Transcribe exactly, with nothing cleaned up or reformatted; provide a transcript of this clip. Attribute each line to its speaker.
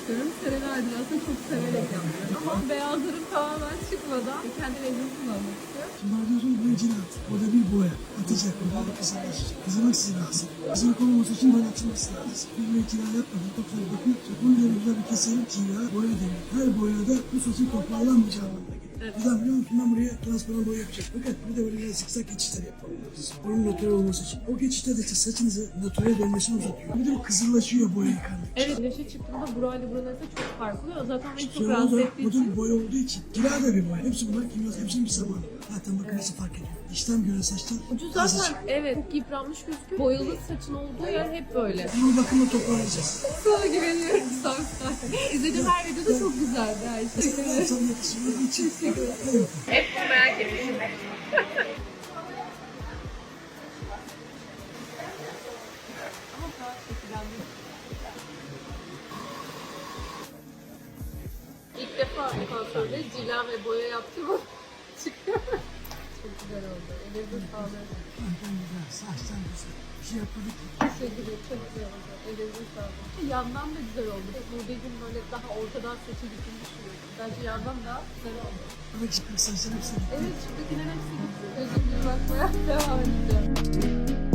Speaker 1: yapıyorum. Senelerdir aslında çok severek yapıyorum. Ama beyazlarım tamamen çıkmadan kendi rengimi kullanmak istiyorum.
Speaker 2: Şimdi diyorsun bu icilat. O da bir boya. Atacak bu da kızarlaşacak. Kızarmak sizi lazım. Kızarmak olmaması için böyle atılması lazım. Bir boya icra yapmadan çok güzel bakın. Bunu da güzel bir keselim. Icra boya denir. Her boyada bu saçın toparlanmayacağı anlamına gelir.
Speaker 1: Evet.
Speaker 2: Neden biliyor musun? Ben buraya transparan boya yapacağım. Fakat bir de böyle biraz zikzak geçişler yapmalıyız. Bunun natürel olması için. O geçişler de işte saçınızı natürel dönmesini uzatıyor. Bir de bu kızırlaşıyor boya yıkandıkça.
Speaker 1: Evet, güneşe çıktığımda burayla buralarda çok farklı oluyor. Zaten beni çok
Speaker 2: Sonra
Speaker 1: rahatsız
Speaker 2: da
Speaker 1: ettiği
Speaker 2: bu
Speaker 1: için.
Speaker 2: da boya olduğu için. Kira da bir boya. Hepsi bunlar kimyasal. Hepsinin bir zamanı. Zaten bakın nasıl fark ediyor. İşlem göre saçlar
Speaker 1: Ucu
Speaker 2: azıcık.
Speaker 1: zaten evet çok yıpranmış gözüküyor. Boyalı saçın olduğu yer hep böyle.
Speaker 2: Bunu bakımla toparlayacağız.
Speaker 1: Sana güveniyorum Samsun. İzlediğim her videoda çok güzeldi her şey.
Speaker 2: Sana yakışıyor için.
Speaker 1: Hep bunu merak etmişim. Ama daha şekillendim. İlk defa kuaförde cila ve boya yaptım ama çıkıyor. Çok güzel oldu. Elinize sağlık.
Speaker 2: Saçtan güzel. Bir şey yapmadık.
Speaker 1: Teşekkür ederim. Çok güzel oldu. Elinize sağlık. Yandan da güzel oldu. Buradaydım böyle daha ortadan saçı dikilmiş düşünüyorum. Bence yandan da güzel oldu.
Speaker 2: Ama çıkmış saçlar hepsi.
Speaker 1: Evet, şuradakilerin hepsi gitti. Gözüm bir bakmaya devam edeceğim.